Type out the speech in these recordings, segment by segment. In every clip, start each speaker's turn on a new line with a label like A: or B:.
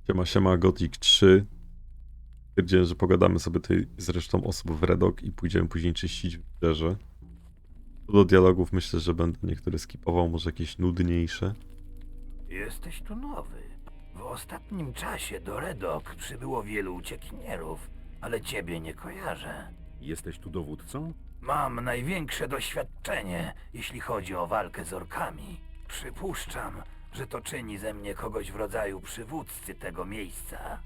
A: Siema, Gothic 3. Stwierdziłem, że pogadamy sobie tutaj z resztą osób w Redok i pójdziemy później czyścić wybrzeże. Co do dialogów myślę, że będę niektóre skipował, może jakieś nudniejsze.
B: Jesteś tu nowy. W ostatnim czasie do Redok przybyło wielu uciekinierów, ale ciebie nie kojarzę.
C: Jesteś tu dowódcą?
B: Mam największe doświadczenie, jeśli chodzi o walkę z orkami. Przypuszczam, że to czyni ze mnie kogoś w rodzaju przywódcy tego miejsca.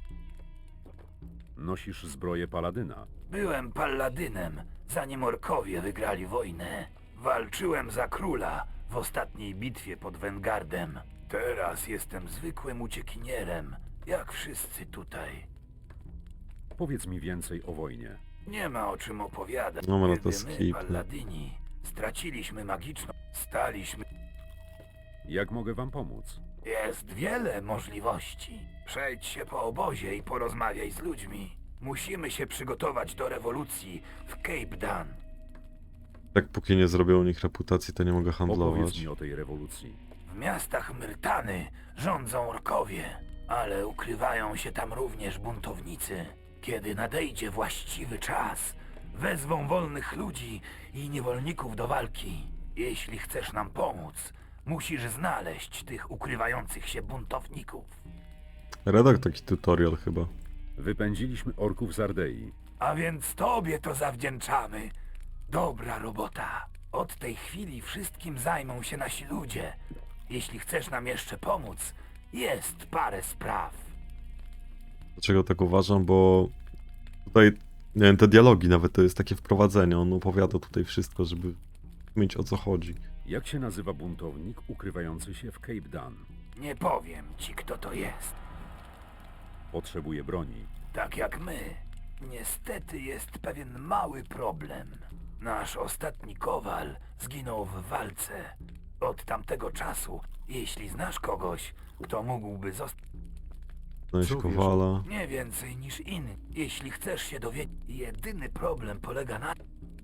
C: Nosisz zbroję paladyna.
B: Byłem palladynem, zanim orkowie wygrali wojnę. Walczyłem za króla w ostatniej bitwie pod Wengardem. Teraz jestem zwykłym uciekinierem, jak wszyscy tutaj.
C: Powiedz mi więcej o wojnie.
B: Nie ma o czym opowiadać.
A: No, no to
B: Kiedy my,
A: skip.
B: palladyni, straciliśmy magiczną... Staliśmy...
C: Jak mogę wam pomóc?
B: Jest wiele możliwości. Przejdź się po obozie i porozmawiaj z ludźmi. Musimy się przygotować do rewolucji w Cape Dan.
A: Tak póki nie zrobią u nich reputacji, to nie mogę
C: Opowiedz
A: handlować.
C: mi o tej rewolucji.
B: W miastach Myrtany rządzą orkowie, ale ukrywają się tam również buntownicy. Kiedy nadejdzie właściwy czas, wezwą wolnych ludzi i niewolników do walki. Jeśli chcesz nam pomóc, musisz znaleźć tych ukrywających się buntowników.
A: Redok taki tutorial chyba.
C: Wypędziliśmy orków z Ardei.
B: A więc tobie to zawdzięczamy. Dobra robota. Od tej chwili wszystkim zajmą się nasi ludzie. Jeśli chcesz nam jeszcze pomóc, jest parę spraw.
A: Dlaczego tak uważam? Bo tutaj, nie wiem, te dialogi nawet to jest takie wprowadzenie. On opowiada tutaj wszystko, żeby mieć o co chodzi.
C: Jak się nazywa buntownik ukrywający się w Cape Dan?
B: Nie powiem ci, kto to jest.
C: Potrzebuje broni.
B: Tak jak my. Niestety jest pewien mały problem. Nasz ostatni kowal zginął w walce. Od tamtego czasu, jeśli znasz kogoś, kto mógłby zostać...
A: Znaleźć
C: Co wiesz?
A: kowala.
B: Nie więcej niż inni. Jeśli chcesz się dowiedzieć, jedyny problem polega na...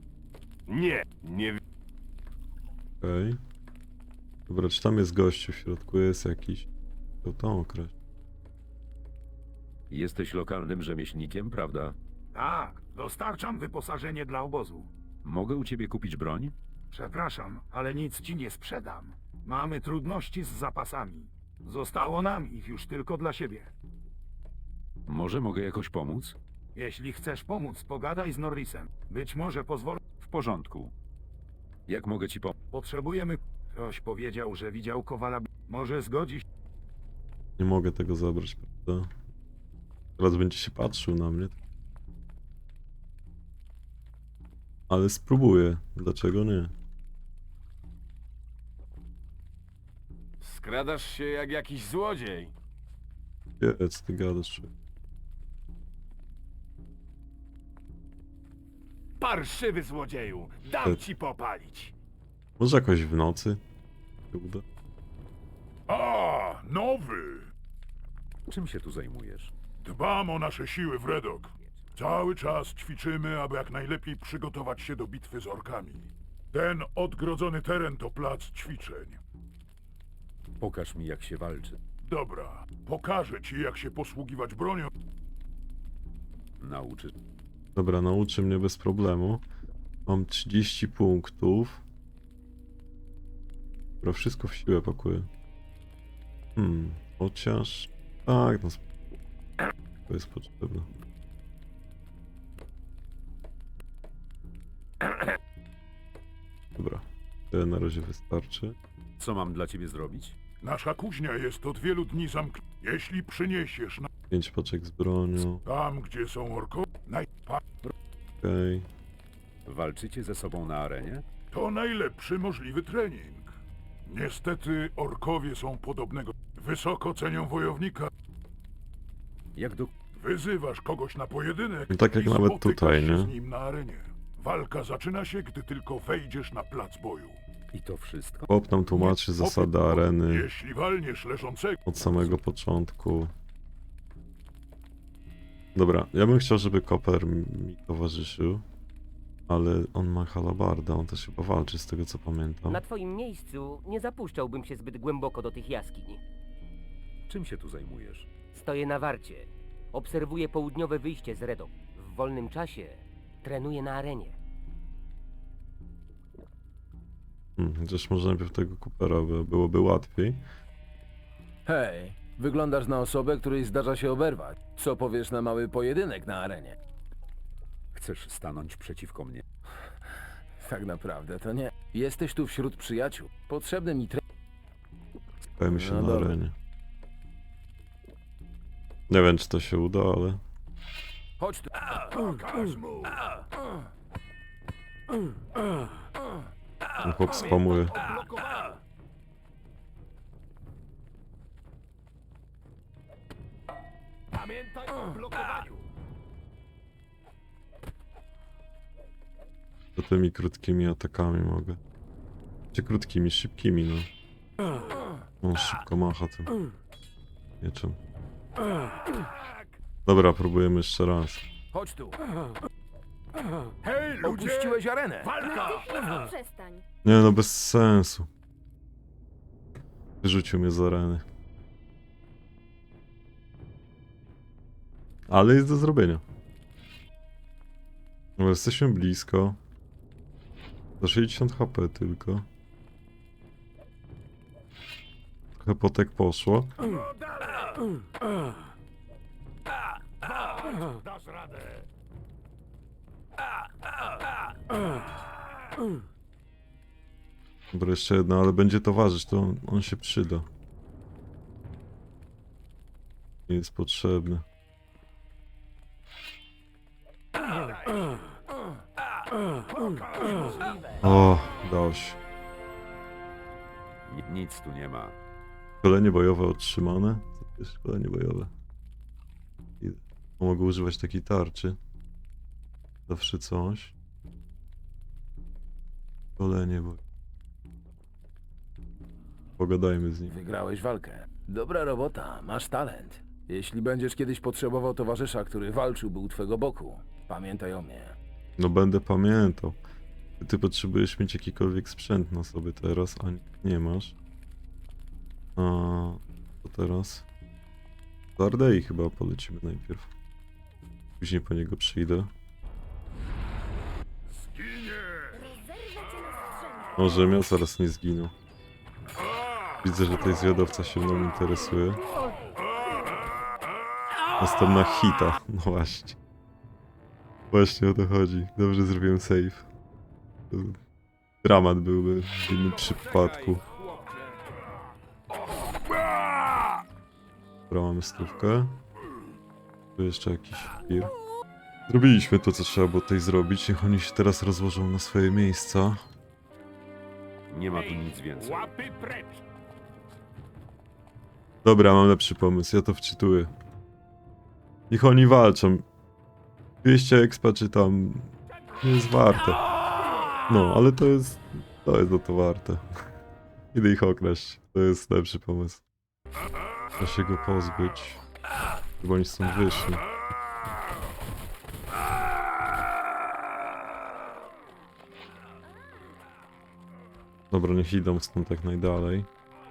D: Nie
A: Okej. Dobra, czy tam jest gościu w środku? Jest jakiś. To tą określ.
C: Jesteś lokalnym rzemieślnikiem, prawda?
D: Tak, dostarczam wyposażenie dla obozu.
C: Mogę u ciebie kupić broń?
D: Przepraszam, ale nic ci nie sprzedam. Mamy trudności z zapasami. Zostało nam ich już tylko dla siebie.
C: Może mogę jakoś pomóc?
D: Jeśli chcesz pomóc, pogadaj z Norrisem. Być może pozwolę.
C: W porządku. Jak mogę ci pomóc?
D: Potrzebujemy... Ktoś powiedział, że widział Kowala. Może zgodzi się.
A: Nie mogę tego zabrać, prawda? Teraz będzie się patrzył na mnie. Ale spróbuję. Dlaczego nie?
E: Skradasz się jak jakiś złodziej.
A: Jedz, ty gadasz. Człowiek.
E: Parszywy złodzieju! Dam ci popalić!
A: Może jakoś w nocy? się uda?
F: A, nowy!
C: Czym się tu zajmujesz?
F: Dbam o nasze siły w Redok. Cały czas ćwiczymy, aby jak najlepiej przygotować się do bitwy z orkami. Ten odgrodzony teren to plac ćwiczeń.
C: Pokaż mi, jak się walczy.
F: Dobra, pokażę ci, jak się posługiwać bronią.
C: Nauczy.
A: Dobra, nauczy mnie bez problemu. Mam 30 punktów. Dobra, wszystko w siłę pakuję. Chociaż... Tak, no... To jest potrzebne. Dobra, tyle na razie wystarczy.
C: Co mam dla ciebie zrobić?
F: Nasza kuźnia jest od wielu dni zamknięta. Jeśli przyniesiesz
A: 5 paczek z bronią.
F: tam, gdzie są orkowie,
A: Okej.
C: Walczycie ze sobą na arenie?
F: to najlepszy możliwy trening. Niestety orkowie są podobnego. Wysoko cenią wojownika.
C: Jak do...
F: Wyzywasz kogoś na pojedynek
A: No tak jak
F: i
A: nawet
F: spotykasz
A: tutaj,
F: się
A: nie?
F: z nim na arenie. Walka zaczyna się, gdy tylko wejdziesz na plac boju.
C: I to wszystko?
A: Chłop nam tłumaczy zasady areny
F: Jeśli walniesz leżącego,
A: od samego początku. Dobra, ja bym chciał, żeby Koper mi towarzyszył. Ale on ma halabarda, on też chyba walczy z tego co pamiętam.
G: Na twoim miejscu nie zapuszczałbym się zbyt głęboko do tych jaskiń.
C: Czym się tu zajmujesz?
G: Stoję na warcie. Obserwuję południowe wyjście z Redok. W wolnym czasie trenuję na arenie.
A: Chociaż może najpierw tego Coopera byłoby łatwiej.
H: Hej, wyglądasz na osobę, której zdarza się oberwać. Co powiesz na mały pojedynek na arenie?
C: Chcesz stanąć przeciwko mnie?
H: Tak naprawdę to nie. Jesteś tu wśród przyjaciół. Potrzebny mi
A: Dajmy się
H: No
A: na
H: dobra.
A: arenie. Nie wiem, czy to się uda, ale...
H: Chodź tu.
D: Pokaż mu!
A: Ten chłop spamuje.
D: Pamiętaj o blokowaniu!
A: To tymi krótkimi atakami mogę. Czy krótkimi, szybkimi, no. On szybko macha tym mieczem. Dobra, próbujemy jeszcze raz.
H: Chodź tu.
D: Hej, ludzie!
H: Opuściłeś arenę.
D: Walka!
I: Przestań.
A: Nie no, bez sensu. Wyrzucił mnie z areny. Ale jest do zrobienia. No, jesteśmy blisko. Za 60 HP tylko. Trochę potek poszło.
D: No dalej! Dasz radę!
A: Dobra, jeszcze jedna, ale będzie towarzysz, to on się przyda. Nie jest potrzebny. O, dało się.
C: Nic tu nie ma.
A: Szkolenie bojowe otrzymane. Co to jest szkolenie bojowe? I mogę używać takiej tarczy. Zawsze coś. Szkolenie bojowe. Pogadajmy z nim.
H: Wygrałeś walkę. Dobra robota, masz talent. Jeśli będziesz kiedyś potrzebował towarzysza, który walczyłby u twego boku, pamiętaj o mnie.
A: No będę pamiętał. Ty potrzebujesz mieć jakikolwiek sprzęt na sobie teraz, a nie masz. A to teraz? Do Ardei chyba polecimy najpierw. Później po niego przyjdę.
I: Rozerwę cię na strzępy.
A: Może ja zaraz nie zginął. Widzę, że tutaj zwiadowca się mną interesuje. Następna hita, no właśnie. Właśnie o to chodzi. Dobrze zrobiłem save. To dramat byłby w innym przypadku. Dobra, mamy stówkę. Tu jeszcze jakiś fir. Zrobiliśmy to, co trzeba było tutaj zrobić. Niech oni się teraz rozłożą na swoje miejsca.
C: Nie ma tu nic więcej.
D: Łapy precz!
A: Dobra, mam lepszy pomysł, ja to wczytuję. Niech oni walczą. 200 expa czy tam... nie jest warte. No, ale to jest za to warte. Idę ich okraść. To jest lepszy pomysł. Trzeba się go pozbyć. Chyba oni stąd wyszli. Dobra, niech idą stąd jak najdalej.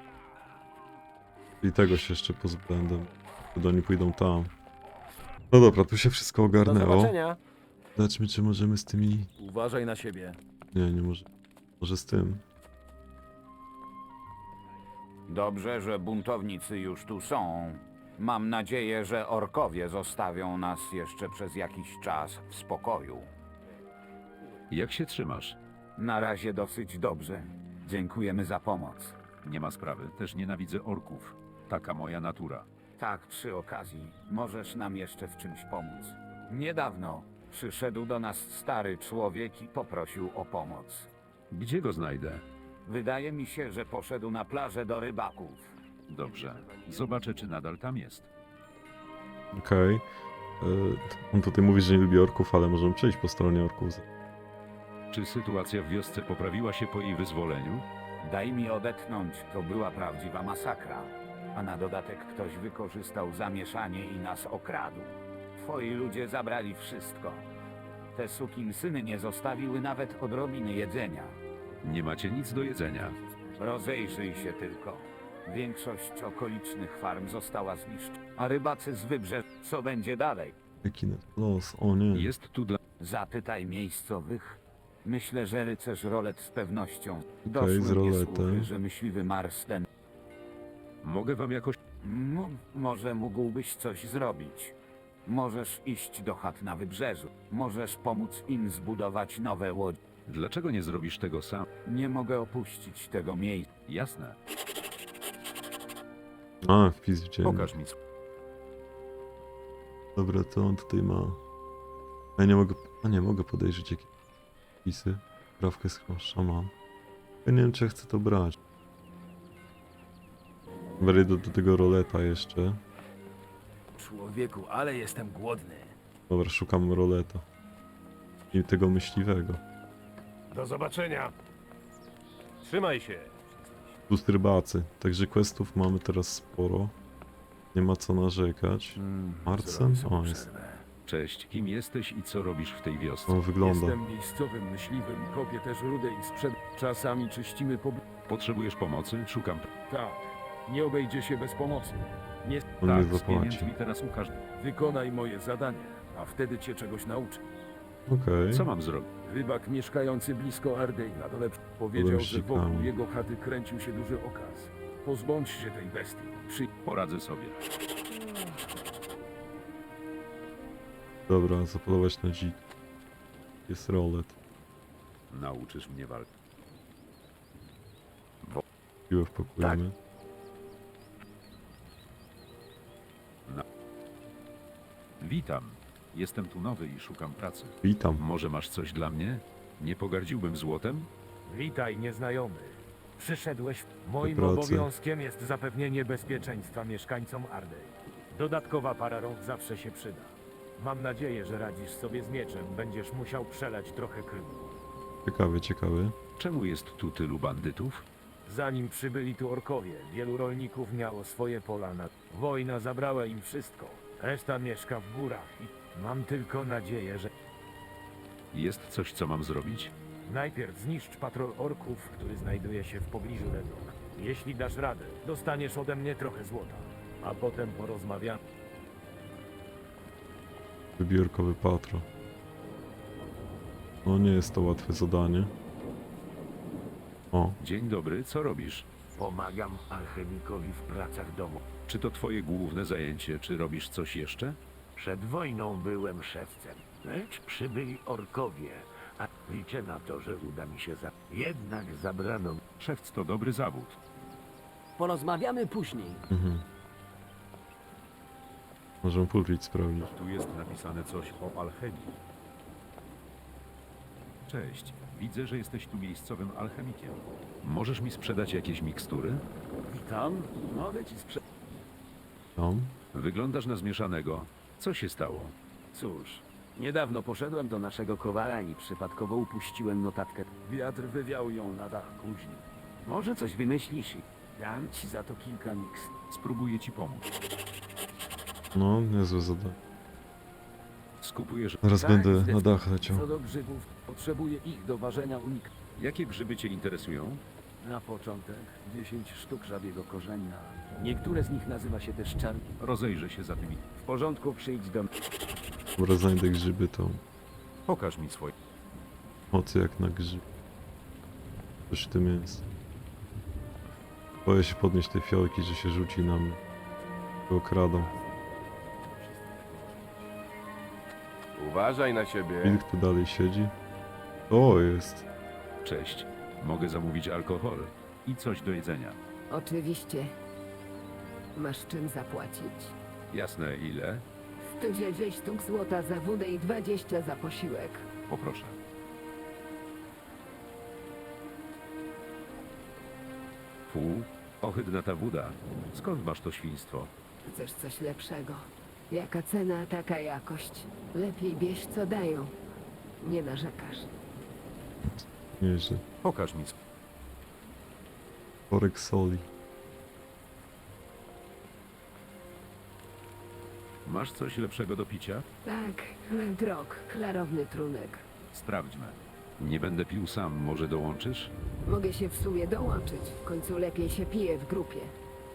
A: I tego się jeszcze pozbędę. Wtedy oni pójdą tam. No dobra, tu się wszystko
H: Do
A: ogarnęło.
H: zobaczenia.
A: Zobaczmy, czy możemy z tymi...
H: Uważaj na siebie.
A: Nie może. Może z tym.
J: Dobrze, że buntownicy już tu są. Mam nadzieję, że orkowie zostawią nas jeszcze przez jakiś czas w spokoju.
C: Jak się trzymasz?
J: Na razie dosyć dobrze. Dziękujemy za pomoc.
C: Nie ma sprawy. Też nienawidzę orków. Taka moja natura.
J: Tak, przy okazji, możesz nam jeszcze w czymś pomóc. Niedawno przyszedł do nas stary człowiek i poprosił o pomoc.
C: Gdzie go znajdę?
J: Wydaje mi się, że poszedł na plażę do rybaków.
C: Dobrze. Zobaczę, czy nadal tam jest.
A: Okej. On tutaj mówi, że nie lubi orków, ale możemy przejść po stronie orków.
C: Czy sytuacja w wiosce poprawiła się po jej wyzwoleniu?
J: Daj mi odetchnąć, to była prawdziwa masakra. A na dodatek ktoś wykorzystał zamieszanie i nas okradł. Twoi ludzie zabrali wszystko. Te sukinsyny nie zostawiły nawet odrobiny jedzenia.
C: Nie macie nic do jedzenia.
J: Rozejrzyj się tylko. Większość okolicznych farm została zniszczona, a rybacy z wybrzeża. Co będzie dalej?
A: Jaki los, o nie.
C: Jest tu dla...
J: Zapytaj miejscowych. Myślę, że rycerz Rolet z pewnością.
A: z
J: Doszły mnie
A: Roletem.
J: słuchy, że myśliwy Marsden.
C: Mogę wam jakoś...
J: Może mógłbyś coś zrobić. Możesz iść do chat na wybrzeżu. Możesz pomóc im zbudować nowe łodzie.
C: Dlaczego nie zrobisz tego sam?
J: Nie mogę opuścić tego miejsca.
C: Jasne.
A: A, wpis widziałem.
C: Pokaż mi...
A: Dobra, to on tutaj ma... Ja nie mogę... A nie, mogę podejrzeć jakieś wpisy. Prawkę jest chyba szaman. Ja nie wiem, czy ja chcę to brać. Wejdę do tego roleta jeszcze.
B: Człowieku, ale jestem głodny.
A: Dobra, szukam roleta. I tego myśliwego.
E: Do zobaczenia.
B: Trzymaj się.
A: Plus rybacy. Także questów mamy teraz sporo. Nie ma co narzekać. Marcen? O, jest.
C: Cześć, kim jesteś i co robisz w tej wiosce?
A: On wygląda.
H: Jestem miejscowym myśliwym, kopię też rudę i sprzed... Czasami czyścimy
C: Potrzebujesz pomocy? Szukam...
H: Tak, nie obejdzie się bez pomocy. Nie...
A: On
C: Tak,
A: nie
C: z pieniędzmi
A: zapłaci.
C: teraz ukaż...
H: Wykonaj moje zadanie, a wtedy cię czegoś nauczę.
A: Okej.
C: Co mam zrobić?
H: Rybak mieszkający blisko Ardej na dole powiedział, że wokół
A: Wąsикami.
H: jego chaty kręcił się duży okaz. Pozbądź się tej bestii.
C: Poradzę sobie.
A: Dobra, zapolować na dzik. Jest rolet.
C: Nauczysz mnie walki.
A: Piłę wpakujemy.
C: Witam. Jestem tu nowy i szukam pracy.
A: Witam.
C: Może masz coś dla mnie? Nie pogardziłbym złotem?
D: Witaj, nieznajomy. Przyszedłeś. Moim
A: pracy.
D: obowiązkiem jest zapewnienie bezpieczeństwa mieszkańcom Ardej. Dodatkowa para rąk zawsze się przyda. Mam nadzieję, że radzisz sobie z mieczem. Będziesz musiał przelać trochę krwi.
A: Ciekawy, ciekawy.
C: Czemu jest tu tylu bandytów?
D: Zanim przybyli tu orkowie, wielu rolników miało swoje pola na... Wojna zabrała im wszystko. Reszta mieszka w górach i mam tylko nadzieję, że...
C: Jest coś, co mam zrobić?
D: Najpierw zniszcz patrol orków, który znajduje się w pobliżu Redok. Jeśli dasz radę, dostaniesz ode mnie trochę złota. A potem porozmawiamy.
A: Wybiórkowy patrol. No nie jest to łatwe zadanie. O,
C: Dzień dobry, co robisz?
B: Pomagam alchemikowi w pracach domu.
C: Czy to twoje główne zajęcie, czy robisz coś jeszcze?
B: Przed wojną byłem szewcem, lecz przybyli orkowie, a liczę na to, że uda mi się Jednak zabrano...
C: Szewc to dobry zawód.
G: Porozmawiamy później.
A: możemy pulpit sprawdzić.
C: Tu jest napisane coś o alchemii. Cześć, widzę, że jesteś tu miejscowym alchemikiem. Możesz mi sprzedać jakieś mikstury?
H: Witam, mogę ci sprzedać.
A: Tam.
C: Wyglądasz na zmieszanego. Co się stało?
H: Cóż, niedawno poszedłem do naszego kowala i przypadkowo upuściłem notatkę. Wiatr wywiał ją na dach kuźni. Może coś wymyślisz i dam ci za to kilka miks.
C: Spróbuję ci pomóc.
A: No, niezłe zadanie.
C: Skupujesz...
A: Zaraz
H: Tak,
A: będę na
H: zdecydowanie.
A: dach leciał.
H: Co do grzybów, potrzebuję ich do ważenia unik.
C: Jakie grzyby cię interesują?
H: Na początek 10 sztuk żabiego korzenia. Niektóre z nich nazywa się też czarni.
C: Rozejrzę się za tymi.
H: W porządku, przyjdź do mnie.
A: Dobra, znajdę grzyby, to
C: Pokaż mi swoje.
A: mocy jak na grzyb. Coś w tym jest. Boję się podnieść tej fiolki, że się rzuci na mnie. Go okradą.
E: Uważaj na siebie.
A: Wilk tu dalej siedzi. O, jest.
C: Cześć. Mogę zamówić alkohol i coś do jedzenia.
I: Oczywiście. Masz czym zapłacić?
C: Jasne, ile?
I: 110 sztuk złota za wódę i 20 za posiłek.
C: Poproszę. Fu, ohydna ta woda. Skąd masz to świństwo?
I: Chcesz coś lepszego? Jaka cena, taka jakość. Lepiej bierz co dają. Nie narzekasz.
A: Nieźle.
C: Pokaż mi.
A: Worek soli.
C: Masz coś lepszego do picia?
I: Tak, drog, klarowny trunek.
C: Sprawdźmy. Nie będę pił sam, może dołączysz?
I: Mogę się w sumie dołączyć. W końcu lepiej się pije w grupie.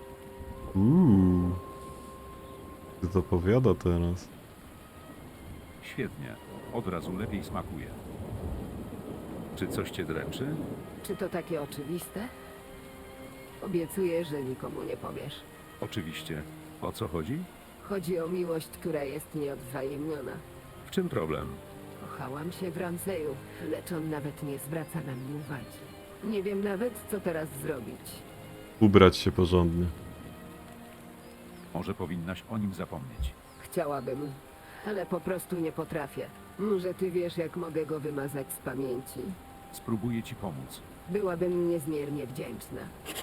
A: Co to powiada teraz?
C: Świetnie. Od razu lepiej smakuje. Czy coś cię dręczy?
I: Czy to takie oczywiste? Obiecuję, że nikomu nie powiesz.
C: Oczywiście. O co chodzi?
I: Chodzi o miłość, która jest nieodwzajemniona.
C: W czym problem?
I: Kochałam się w Ramseju, lecz on nawet nie zwraca na mnie uwagi. Nie wiem nawet, co teraz zrobić.
A: Ubrać się porządnie.
C: Może powinnaś o nim zapomnieć.
I: Chciałabym, ale po prostu nie potrafię. Może ty wiesz, jak mogę go wymazać z pamięci.
C: Spróbuję ci pomóc.
I: Byłabym niezmiernie wdzięczna.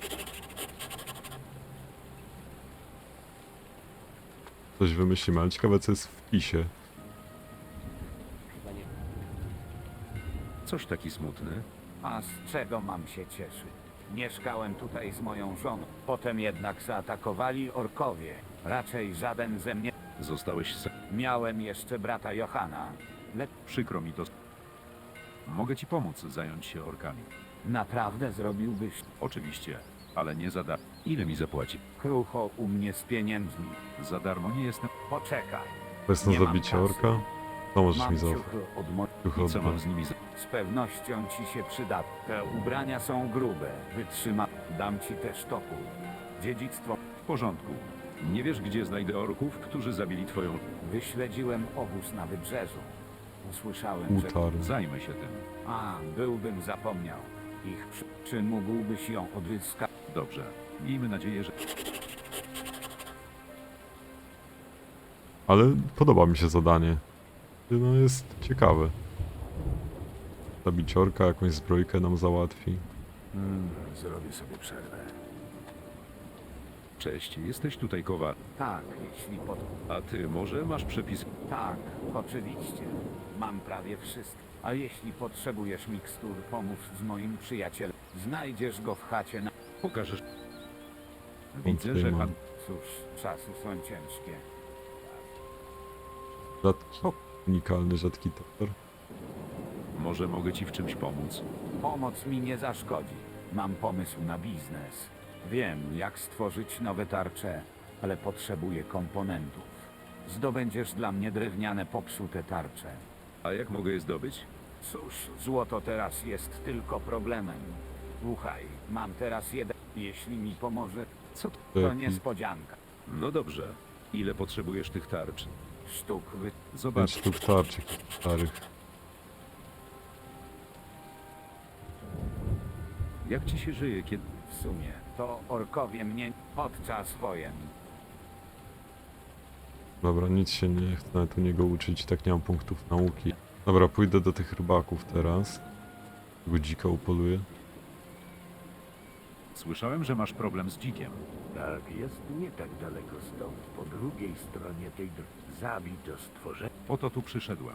A: Coś wymyślimy, ale ciekawe co jest w wpisie.
G: Chyba nie.
C: Coś taki smutny.
J: A z czego mam się cieszyć? Mieszkałem tutaj z moją żoną. Potem jednak zaatakowali orkowie. Raczej żaden ze mnie.
C: Zostałeś sam.
J: Miałem jeszcze brata Johana.
C: Przykro mi to. Mogę ci pomóc zająć się orkami.
J: Naprawdę zrobiłbyś
C: Oczywiście, ale nie za darmo. Ile mi zapłaci?
J: krucho u mnie z pieniędzmi.
C: Za darmo nie jestem.
J: Poczekaj.
A: To jest na
J: Nie mam
A: zabicie
J: kasy.
A: orka? To możesz
J: Mam
A: mi zaufać.
J: ciuchy od mo...
A: Ciuchy
C: I co mam
A: oddam.
C: z nimi
J: Z pewnością ci się przyda. Te ubrania są grube. Wytrzyma. Dam ci też topór. Dziedzictwo.
C: W porządku. Nie wiesz, gdzie znajdę orków, którzy zabili twoją...
J: Wyśledziłem obóz na wybrzeżu. Usłyszałem, że...
A: Utar.
C: Zajmę się tym.
J: A, byłbym zapomniał. Czy mógłbyś ją odzyskać?
C: Dobrze. Miejmy nadzieję, że...
A: Ale podoba mi się zadanie. No jest ciekawe. Zabicie orka, jakąś zbrojkę nam załatwi.
E: Zrobię sobie przerwę.
C: Cześć, jesteś tutaj kowal.
J: Tak, jeśli pod...
C: A ty może masz przepis...
J: Tak, oczywiście. Mam prawie wszystko. A jeśli potrzebujesz mikstur, pomóż z moim przyjacielem. Znajdziesz go w chacie na...
C: Pokażesz... Widzę, że pan...
J: Cóż, czasy są ciężkie.
A: Rzadki, unikalny, rzadki topór.
C: Może mogę ci w czymś pomóc.
J: Pomoc mi nie zaszkodzi. Mam pomysł na biznes. Wiem, jak stworzyć nowe tarcze, ale potrzebuję komponentów. Zdobędziesz dla mnie drewniane, popsute tarcze.
C: A jak mogę je zdobyć?
J: Cóż, złoto teraz jest tylko problemem. Słuchaj, mam teraz jeden. Jeśli mi pomoże,
C: Co to?
J: to
A: Jaki
J: niespodzianka.
C: No dobrze. Ile potrzebujesz tych tarcz?
J: Sztuk wy...
A: 5
C: Zobacz.
A: sztuk tarczy starych.
C: Jak ci się żyje, kiedy...
J: W sumie, to orkowie mnie podczas wojen.
A: Dobra, nic się nie chcę nawet u niego uczyć, tak nie mam punktów nauki. Dobra, pójdę do tych rybaków teraz. Tego dzika upoluję.
C: Słyszałem, że masz problem z dzikiem.
E: Tak, jest nie tak daleko stąd. Po drugiej stronie tej drogi. Zabij to stworzenie.
C: Po to tu przyszedłem.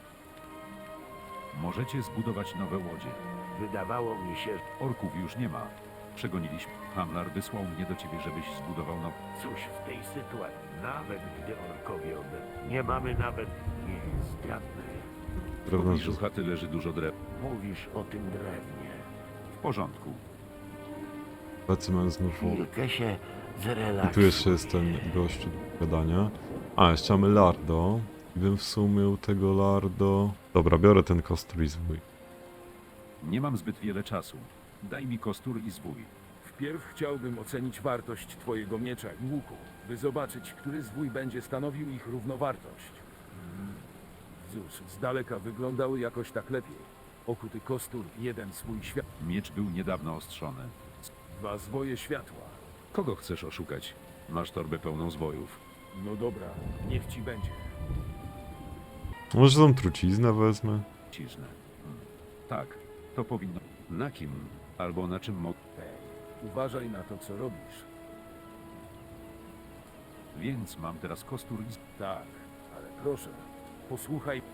C: Możecie zbudować nowe łodzie.
E: Wydawało mi się,
C: Orków już nie ma. Przegoniliśmy. Hamlar wysłał mnie do ciebie, żebyś zbudował nowe.
E: cóż w tej sytuacji, nawet gdy orkowie nie mamy nawet nie zgadnę.
C: W
A: Drewno,
C: pobliżu chaty leży dużo drew.
E: Mówisz o tym drewnie.
C: W porządku.
A: tacy mają znów.
E: Chwilkę się
A: I
E: zrelaksuj.
A: tu jeszcze jest ten gościu do gadania. A, jeszcze mamy lardo. I bym w sumie tego lardo... Dobra, biorę ten kostur i zwój.
C: Nie mam zbyt wiele czasu. Daj mi kostur i zwój.
D: Wpierw chciałbym ocenić wartość twojego miecza i łuku, by zobaczyć, który zwój będzie stanowił ich równowartość. Cóż, z daleka wyglądały jakoś tak lepiej. Okuty kostur, jeden swój świat,
C: Miecz był niedawno ostrzony.
D: 2 zwoje światła.
C: Kogo chcesz oszukać? Masz torbę pełną zwojów.
D: No dobra, niech ci będzie.
A: Może tą truciznę wezmę?
C: Ciżne. Tak, to powinno... Na kim? Albo na czym mogę...
D: Uważaj na to, co robisz.
C: Więc mam teraz kostur i...
D: Tak, ale proszę, posłuchaj.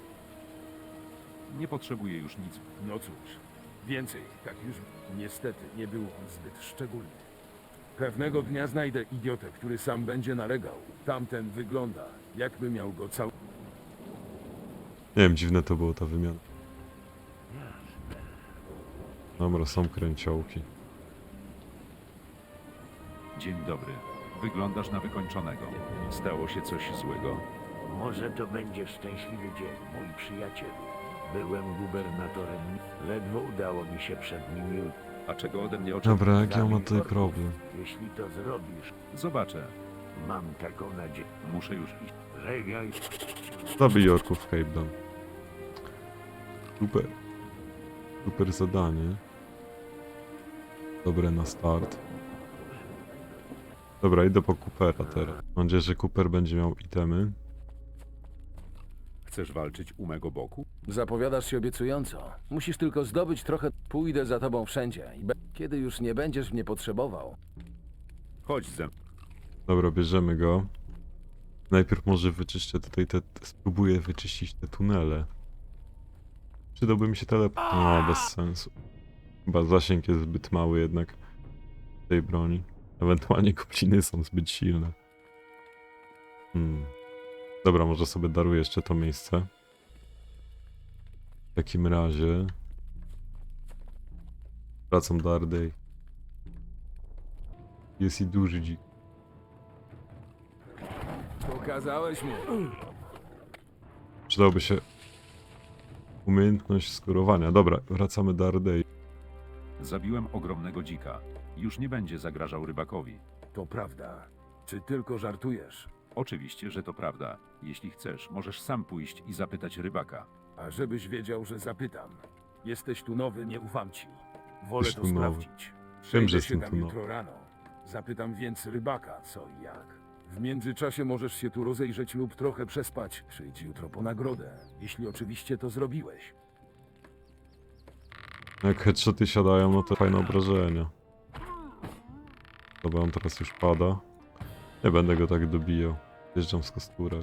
C: Nie potrzebuję już nic.
D: No cóż, więcej, tak już niestety nie był on zbyt szczególny. Pewnego dnia znajdę idiotę, który sam będzie nalegał. Tamten wygląda, jakby miał go cały...
A: Nie wiem, dziwne to było ta wymiana. Dobra, są kręciołki.
C: Dzień dobry. Wyglądasz na wykończonego. Stało się coś złego?
E: Może to będzie szczęśliwy dzień, mój przyjacielu. Byłem gubernatorem. Ledwo udało mi się przed nim.
C: A czego ode mnie oczekujesz?
A: Dobra, jaki on ma
E: Zabij
A: tutaj
E: orków.
A: problem?
E: Jeśli to zrobisz,
C: Zobaczę.
E: mam taką nadzieję.
C: Muszę już iść.
E: Żegnaj.
A: Zabij orków w Cape Town. Super. Super zadanie. Dobre na start. Dobra, idę po Coopera teraz. Mam nadzieję, że Cooper będzie miał itemy.
C: Chcesz walczyć u mego boku?
D: Zapowiadasz się obiecująco. Musisz tylko zdobyć trochę. Pójdę za tobą wszędzie. Kiedy już nie będziesz mnie potrzebował.
C: Chodź ze mną.
A: Dobra, bierzemy go. Najpierw może wyczyszczę tutaj spróbuję wyczyścić te tunele. Przydałby mi się teleport. No, bez sensu. Chyba zasięg jest zbyt mały jednak tej broni. Ewentualnie gobliny są zbyt silne. Dobra, może sobie daruję jeszcze to miejsce. W takim razie... Wracam do Ardej. Jest i duży dzik.
D: Pokazałeś mu.
A: Przydałoby się umiejętność skórowania. Dobra, wracamy do Ardei.
C: Zabiłem ogromnego dzika. Już nie będzie zagrażał rybakowi.
D: To prawda. Czy tylko żartujesz?
C: Oczywiście, że to prawda. Jeśli chcesz, możesz sam pójść i zapytać rybaka.
D: A żebyś wiedział, że zapytam. Jesteś tu nowy, nie ufam ci. Wolę
A: Jesteś
D: to
A: tu nowy.
D: sprawdzić.
A: Wiem,
D: Przejdę
A: że
D: się
A: jestem
D: tam
A: tu
D: jutro rano. Zapytam więc rybaka, co i jak. W międzyczasie możesz się tu rozejrzeć lub trochę przespać. Przyjdź jutro po nagrodę, jeśli oczywiście to zrobiłeś.
A: Jak headshoty siadają, no to fajne obrażenia. Dobra, on teraz już pada. Nie będę go tak dobijał. Wjeżdżam z kosturem.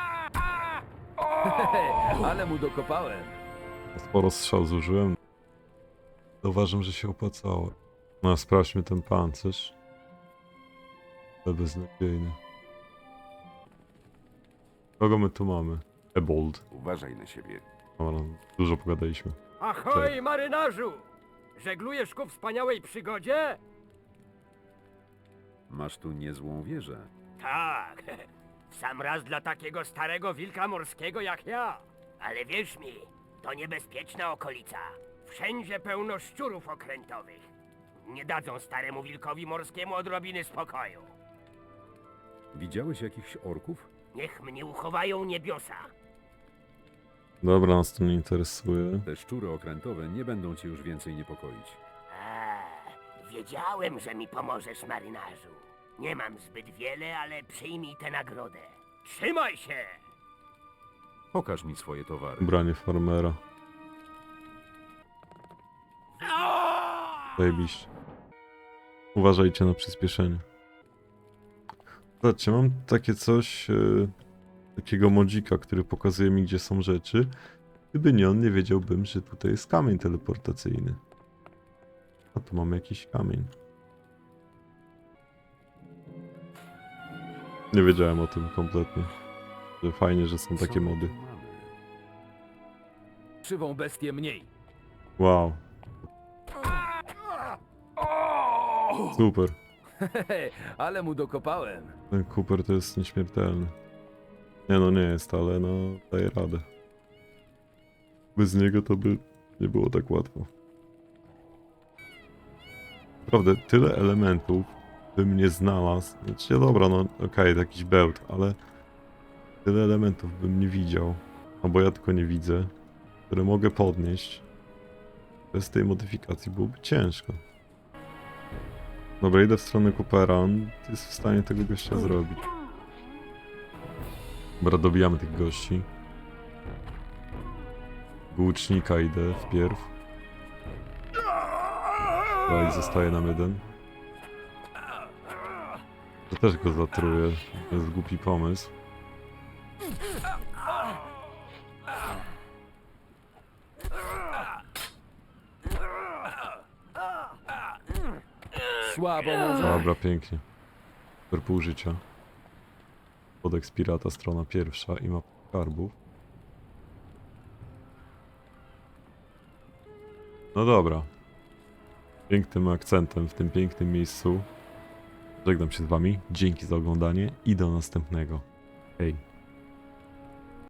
D: Ale mu dokopałem.
A: Sporo strzał zużyłem. Zauważam, że się opłacało. No, sprawdźmy ten pancerz. To beznadziejny. Kogo my tu mamy? Ebold.
K: Uważaj na siebie.
A: Dobra, dużo pogadaliśmy.
G: Ahoj, marynarzu! Żeglujesz ku wspaniałej przygodzie?
C: Masz tu niezłą wieżę.
G: Tak, w sam raz dla takiego starego wilka morskiego jak ja. Ale wierz mi, to niebezpieczna okolica. Wszędzie pełno szczurów okrętowych. Nie dadzą staremu wilkowi morskiemu odrobiny spokoju.
C: Widziałeś jakichś orków?
G: Niech mnie uchowają niebiosa.
A: Dobra, nas to nie interesuje.
C: Te szczury okrętowe nie będą cię już więcej niepokoić.
G: Wiedziałem, że mi pomożesz, marynarzu. Nie mam zbyt wiele, ale przyjmij tę nagrodę. Trzymaj się!
C: Pokaż mi swoje towary.
A: Ubranie farmera. Zajebiście. Uważajcie na przyspieszenie. Zobaczcie, mam takie coś, takiego modzika, który pokazuje mi, gdzie są rzeczy. Gdyby nie on, nie wiedziałbym, że tutaj jest kamień teleportacyjny. A tu mamy jakiś kamień. Nie wiedziałem o tym kompletnie. Że fajnie, że są takie mody.
D: Krzywą bestię mniej.
A: Wow. Super.
D: Ale mu dokopałem.
A: Ten Cooper to jest nieśmiertelny. Nie no, nie jest, ale no daje radę. Bez niego to by nie było tak łatwo. Naprawdę, tyle elementów bym nie znalazł. Znaczy, dobra, no okej, jakiś bełt, ale tyle elementów bym nie widział. Albo ja tylko nie widzę, które mogę podnieść. Bez tej modyfikacji byłoby ciężko. Dobra, idę w stronę Coopera, on jest w stanie tego gościa zrobić. Dobra, dobijamy tych gości. Łucznika idę wpierw. Dobra, i zostaje nam jeden. To też go zatruję, to jest głupi pomysł.
D: Słabo może.
A: Dobra, pięknie. Super pół życia. Kodeks pirata, strona pierwsza i mapa skarbów. No dobra. Pięknym akcentem w tym pięknym miejscu. Żegnam się z wami. Dzięki za oglądanie i do następnego. Hej.